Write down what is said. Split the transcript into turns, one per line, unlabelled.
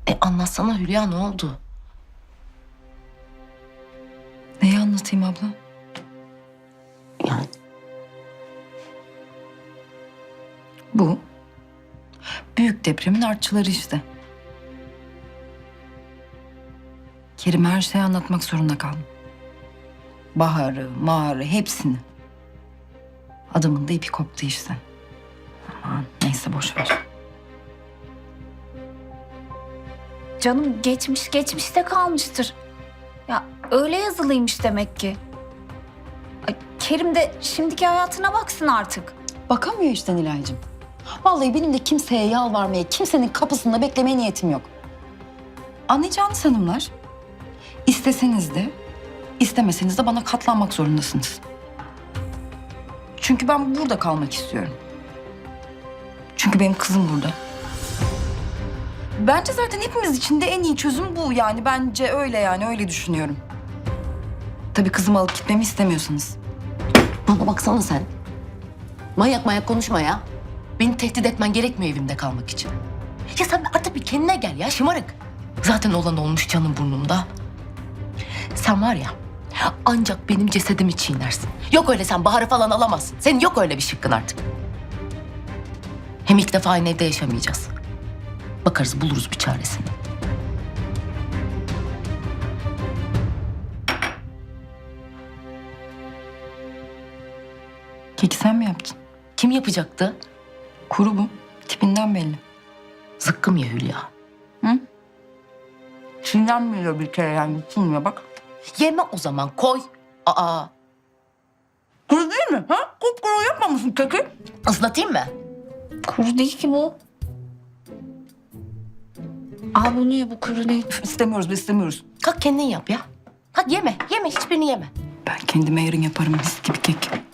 Anlatsana Hülya, ne oldu?
Neyi anlatayım abla?
Yani
Bu büyük depremin artçıları işte. Kerim her şeyi anlatmak zorunda kaldım. Baharı, mağarı hepsini. Adamın da ipi koptu işte. Aman neyse boş ver.
Canım geçmiş geçmişte kalmıştır. Ya öyle yazılıymış demek ki. Ay, Kerim de şimdiki hayatına baksın artık.
Bakamıyor işte Nilay'cığım. Vallahi benim de kimseye yalvarmaya, kimsenin kapısında beklemeye niyetim yok. Anlayacağınız hanımlar, isteseniz de, istemeseniz de bana katlanmak zorundasınız. Çünkü ben burada kalmak istiyorum. Çünkü benim kızım burada. Bence zaten hepimiz için de en iyi çözüm bu yani. Bence öyle yani, öyle düşünüyorum. Tabii kızımı alıp gitmemi istemiyorsanız.
bana baksana sen. Manyak manyak konuşma ya. Beni tehdit etmen gerekmiyor evimde kalmak için. Ya sen artık bir kendine gel ya, şımarık. Zaten olan olmuş, canım burnumda. Sen var ya, ancak benim cesedimi çiğnersin. Yok öyle, sen Bahar'ı falan alamazsın. Senin yok öyle bir şıkkın artık. Hem ilk defa aynı evde yaşamayacağız. Bakarız, buluruz bir çaresini.
Keki sen mi yaptın?
Kim yapacaktı?
Kuru bu. Tipinden belli.
Zıkkım ya Hülya.
Çiğnenmiyor bir kere yani. Tutulmuyor bak.
Yeme o zaman, koy. Aa,
Kuru değil mi? Ha? Kupkuru yapmamışsın keki.
ıslatayım mı?
Kuru değil ki bu. Aa bu niye bu kuru değil?
İstemiyoruz, biz istemiyoruz.
Kalk kendin yap ya. Kalk yeme, hiçbirini yeme.
Ben kendime yarın yaparım mis gibi kek.